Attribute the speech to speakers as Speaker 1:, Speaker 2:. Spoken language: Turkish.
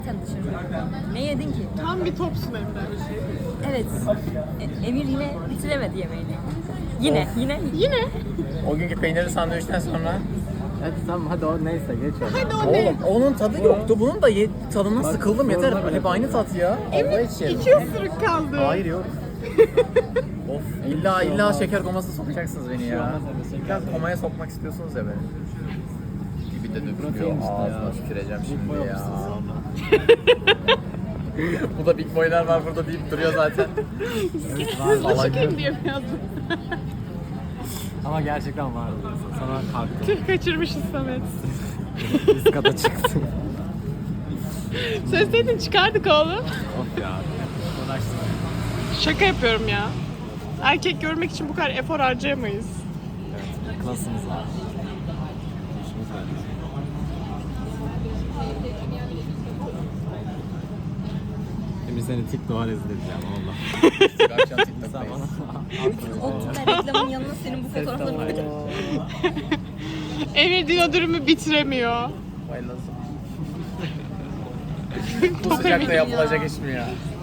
Speaker 1: Sen dışarı. Ne yedin ki?
Speaker 2: Tam bir topsun Emre.
Speaker 1: Evet. Emir yine bitiremedi yemeğini. Yine.
Speaker 3: O günkü peynirli sandviçten sonra.
Speaker 4: Hadi tamam hadi o neyse geç onu.
Speaker 2: Hadi o ne?
Speaker 3: Oğlum onun tadı yoktu. Bunun da tadından sıkıldım yeter. Hep aynı tat ya. Allah için.
Speaker 2: 2 ısırık kaldı.
Speaker 3: Hayır yok. Of illa şeker komasına sokacaksınız beni ya. İlla komaya sokmak istiyorsunuz ya beni. Gibi de dökülüyor. Ağzına tüküreceğim şimdi ya. Bu da big boylar var burada deyip duruyor zaten.
Speaker 2: Hızlı çıkayım diye biraz.
Speaker 4: Ama gerçekten vardı. Sana kalktı.
Speaker 2: Tüh kaçırmışız Samet.
Speaker 4: Üst kata çıktım.
Speaker 2: Söyleseydin çıkardık oğlum.
Speaker 4: Of ya. Uğraştım.
Speaker 2: Şaka yapıyorum ya. Erkek görmek için bu kadar efor harcayamayız.
Speaker 4: Evet. Klasımız var. İşimiz var. Emir seni TikTok'a rezil edeceğim valla.
Speaker 3: Akşam TikTok'tayız.
Speaker 1: Otur da reklamın yanına senin bu fotoğraflarını koyacağım.
Speaker 2: Emir dino dürümü bitiremiyor.
Speaker 3: Bayılazım. Bu sıcakta yapılacak iş mi ya?